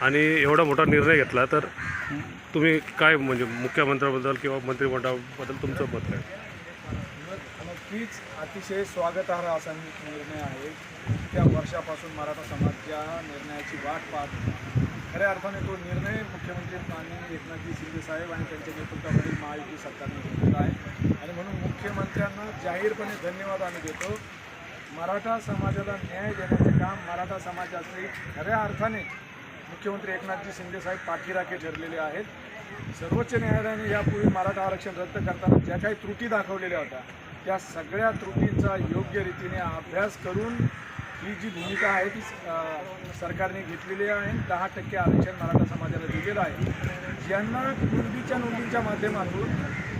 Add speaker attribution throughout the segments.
Speaker 1: आणि एवढा मोठा निर्णय घेतला, तर तुम्ही काय म्हणजे मुख्यमंत्र्याबद्दल किंवा मंत्रिमंडळाबद्दल तुमचं मत काय?
Speaker 2: नक्कीच अतिशय स्वागतार्ह असा निर्णय आहे. त्या वर्षापासून मराठा समाज ज्या निर्णयाची वाट पाहत, खऱ्या अर्थाने तो निर्णय मुख्यमंत्री माननीय एकनाथजी शिंदे साहेब आणि त्यांच्या नेतृत्वाखालील महायुती सरकारने घेतलेला आहे आणि म्हणून मुख्यमंत्र्यांना जाहीरपणे धन्यवाद आम्ही देतो. मराठा समाजाला न्याय देण्याचे काम मराठा समाजाचे खऱ्या अर्थाने मुख्यमंत्री एकनाथजी शिंदे साहेब पाठीराखे ठरलेले आहेत. सर्वोच्च न्यायालयाने यापूर्वी मराठा आरक्षण रद्द करताना ज्या काही त्रुटी दाखवलेल्या होत्या, त्या सगळ्या त्रुटींचा योग्य रीतीने अभ्यास करून ही जी भूमिका आहे ती सरकारने घेतलेली आहे. 10% आरक्षण मराठा समाजाला दिलेलं आहे. ज्यांना कुणबीच्या नोंदींच्या माध्यमातून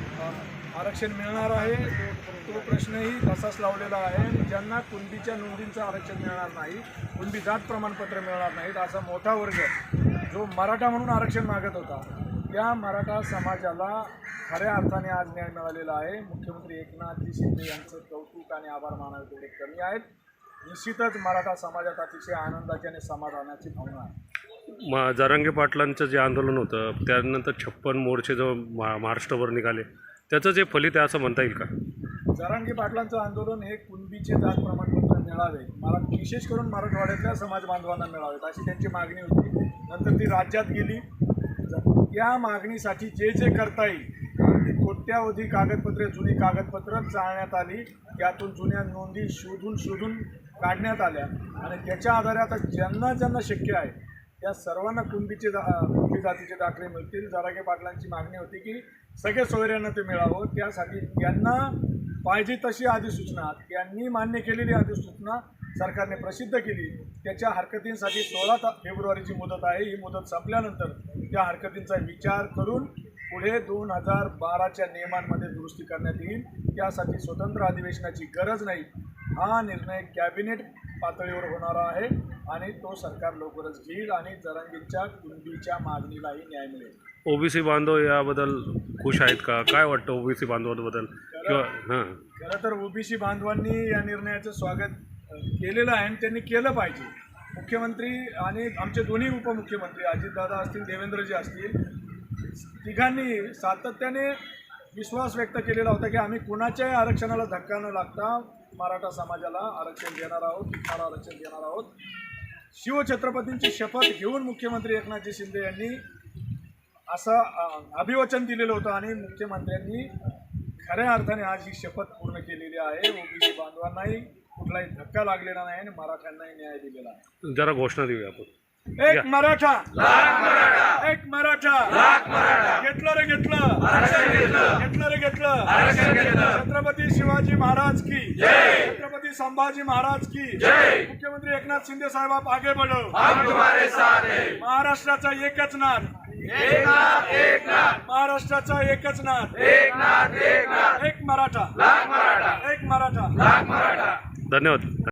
Speaker 2: आरक्षण मिळणार आहे तो प्रश्नही तसाच लावलेला आहे. ज्यांना कुणबीच्या नोंदींचं आरक्षण मिळणार नाही, कुणबी जात प्रमाणपत्र मिळणार नाहीत, असा मोठा वर्ग जो मराठा म्हणून आरक्षण मागत होता, त्या मराठा समाजाला खऱ्या अर्थाने आज न्याय मिळालेला आहे. मुख्यमंत्री एकनाथजी शिंदे यांचं कौतुक आणि आभार मानावे तेवढे कमी आहेत. निश्चितच मराठा समाजात अतिशय आनंदाची आणि समाधानाची भावना आहे.
Speaker 1: जरांगे पाटलांचं जे आंदोलन होतं, त्यानंतर 56 मोर्चे जो महाराष्ट्रभर निघाले, त्याचं जे फलित आहे असं म्हणता येईल का?
Speaker 2: जरांगे पाटलांचं आंदोलन हे कुणबीचे जात प्रमाणपत्र मिळावे, विशेष करून मराठवाड्यातल्या समाज बांधवांना मिळावेत अशी त्यांची मागणी होती. नंतर ती राज्यात गेली. या मागणीसाठी जे जे करता येईल, कोट्यावधी कागदपत्रे, जुनी कागदपत्र चाळण्यात आली, त्यातून जुन्या नोंदी शोधून काढण्यात आल्या आणि त्याच्या आधारे आता ज्यांना शक्य आहे त्या सर्वांना कुणबी जातीचे दाखले मिळतील. जरांगे पाटलांची मागणी होती की सगळे सोयऱ्यांना ते मिळावं. त्यासाठी त्यांना पाहिजे तशी अधिसूचना, त्यांनी मान्य केलेली अधिसूचना सरकारने प्रसिद्ध केली. त्याच्या हरकतींसाठी 16 फेब्रुवारीची मुदत आहे. ही मुदत संपल्यानंतर त्या हरकतींचा विचार करून पुढे 2012च्या नियमांमध्ये दुरुस्ती करण्यात येईल. त्यासाठी स्वतंत्र अधिवेशनाची गरज नाही. हा निर्णय कॅबिनेट पातळीवर होणारा आहे आणि तो सरकार लवकरच घेईल आणि जरांगेंच्या कुणबीच्या मागणीलाही न्याय मिळेल.
Speaker 1: ओबीसी बांधव याबद्दल खुश आहेत का? काय वाटतं ओबीसी बांधवांबद्दल?
Speaker 2: खरं तर ओबीसी बांधवांनी या निर्णयाचं स्वागत केलेलं आहे आणि त्यांनी केलं पाहिजे. मुख्यमंत्री आणि आमचे दोन्ही उपमुख्यमंत्री अजितदादा असतील, देवेंद्रजी असतील, तिघांनी सातत्याने विश्वास व्यक्त केलेला होता की आम्ही कुणाच्याही आरक्षणाला धक्का न लागता मराठा समाजाला आरक्षण देणार आहोत, तिथाला आरक्षण देणार आहोत. शिवछत्रपतींची शपथ घेऊन मुख्यमंत्री एकनाथजी शिंदे यांनी असं अभिवचन दिलेलं होतं आणि मुख्यमंत्र्यांनी खऱ्या अर्थाने आज ही शपथ पूर्ण केलेली आहे. ओबीसी बांधवांनाही कुठलाही धक्का लागलेला नाही आणि मराठ्यांनाही न्याय दिलेला आहे.
Speaker 1: जरा घोषणा देऊया आपण.
Speaker 2: एक मराठा, एक मराठा, घेतलं रे घेतलं, छत्रपती शिवाजी महाराज की, छत्रपती संभाजी महाराज की, मुख्यमंत्री एकनाथ शिंदे साहेब आप आगे बढ़ो, हम तुम्हारे साथ हैं. महाराष्ट्राचा एकच नाद, महाराष्ट्राचा एकच नाद, एक मराठा, एक मराठा.
Speaker 1: धन्यवाद.